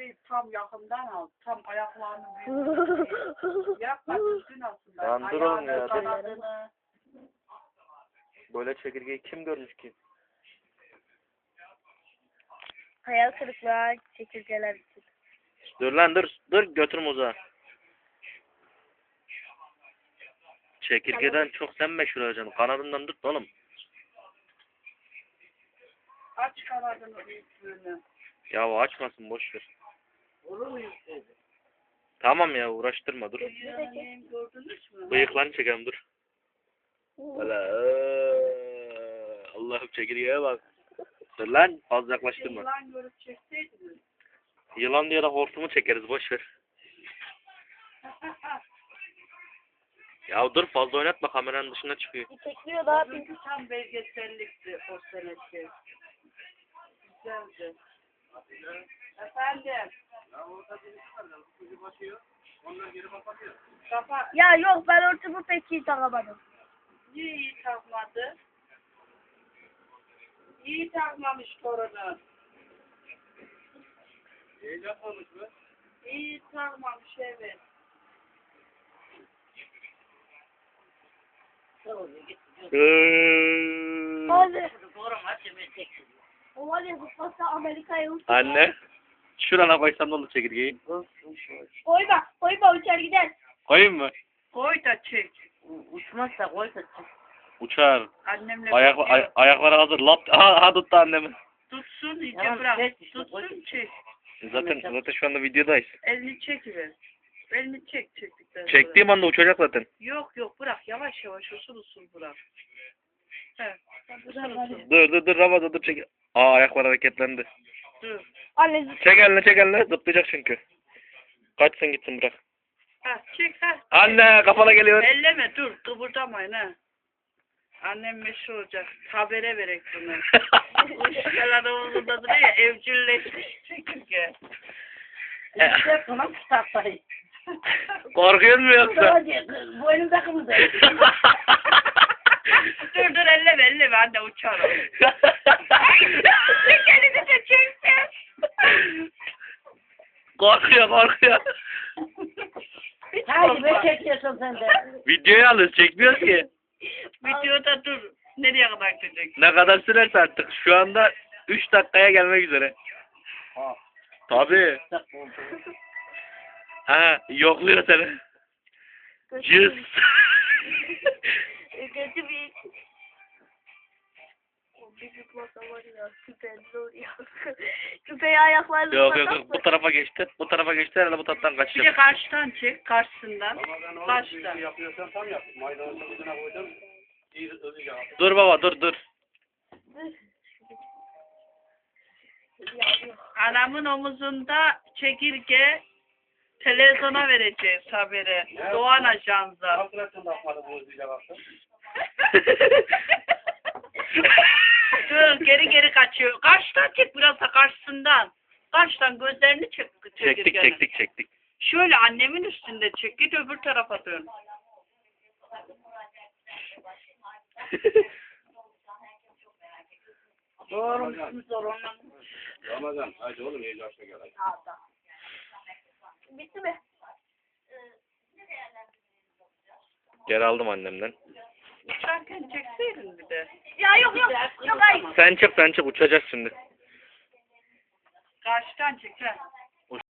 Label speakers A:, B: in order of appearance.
A: çekirdeği tam yakından al. Tam ayaklarını büyük. Yapma düzgün aslında.
B: Lan dur oğlum ya, dur.
A: Kanadını.
B: Böyle çekirgeyi kim görmüş ki?
C: Hayal kırıklığı çekirgeler için.
B: Dur lan dur. Dur götürüm uzağa. Çekirgeden çok sen meşhur olacaksın. Kanadından tut oğlum.
A: Aç kanadını büyüklüğünü.
B: Ya açmasın boş ver.
A: Olur mu yükseydi?
B: Tamam ya uğraştırma dur.
A: Bıyığını gördünüz mü?
B: Bıyıklarını çekelim dur. Valla Allah'ım çekirgeye bak. Dur lan fazla yaklaştırma.
A: Yılan görüp çekseydiniz.
B: Yılan diye de hortumu çekeriz boş ver. Ya dur fazla oynatma kameranın dışına çıkıyor.
C: Çekmiyor daha bir.
A: Çünkü tam belgesellikti o seneki. Güzeldi. Efendim. Ya orada birisi var. Kuzu basıyor. Onlar geri kapatıyor. Kapat.
C: Ya yok ben hortumu pek iyi takamadım.
A: Niye iyi takmadı? İyi takmamış torunu. İyi takmamış mı? İyi takmamış evet.
C: Hadi. O var ya zıplasa Amerika'ya uçtu.
B: Anne. Şurana koysam ne olur çekirgeyi?
C: Koyma uçar gider.
B: Koyayım mı?
A: Koy da çek.
D: Uçmazsa koy da çık.
B: Uçar.
A: Annemle
B: Ayakları hazır. Lap. Ha tuttu annemi.
A: tutsun iyice
D: Tamam,
A: bırak.
D: çek işte,
A: Tutsun
D: koy.
A: çek.
B: Zaten şu anda videodayız.
A: Elini çekiver. Elini çektikten sonra.
B: Çektiğim anda uçacak zaten.
A: Yok bırak yavaş yavaş usul usul bırak. He. Usul usul.
B: Dur Ramazan dur çek. Ayaklar hareketlendi.
A: Dur.
C: Anne
B: Çek eline zıplayacak çünkü. Kaçsın gitsin bırak.
A: Ha çek ha.
B: Anne kafana geliyor.
A: Elleme dur kıpırdamayın ha. Annem meşhur olacak. Habere verek bunu. Uşkalar omuzunda duruyor ya evcilleşmiş çekirge.
D: İşte buna tutartayım.
B: Korkuyor mu yoksa?
D: Boynum takımı da.
A: dur elleme anne uçar o. Çek elini de çekti.
B: korkuyor.
D: Haydi be çekiyorsun sen de.
B: Videoyu alıyoruz çekmiyoruz ki.
A: Videoda dur. Nereye kadar gidecek?
B: Ne kadar sürerse artık. Şu anda 3 dakikaya gelmek üzere.
D: Ha.
B: Tabii. Ha yokluyor seni. Cız.
C: kötü bir bir zıplasa var ya süper olur ya. Küpeyi ayaklarını
B: Yok
C: zıplasak
B: bu tarafa geçti. Bu tarafa geçti herhalde bu taraftan
A: Bir de
B: kaçacak.
A: karşıdan çek. Karşısından. Karşıdan.
E: Yapıyorsan tam yap. Maydanozu ucuna koydum. İyi hızlıca.
B: Dur baba dur.
A: Anamın omuzunda çekirge televizyona vereceğiz haberi. Doğan Ajansı.
E: Hasretten bakmadı bu hızlıca baktım.
A: Dur geri kaçıyor. Karşıdan çek biraz da karşısından. Karşıdan gözlerini çek çekirgenin.
B: Çektik.
A: Şöyle annemin üstünde çek. Git öbür tarafa dön.
D: Doğru musunuz ondan?
E: Ramazan hadi oğlum iyi yaşta gel.
C: bitti mi?
B: Geri aldım annemden.
A: Uçarken çekseydin bir de.
C: Ya yok hayır.
B: Sen çık uçacağız şimdi.
A: Karşıdan çek. Ha.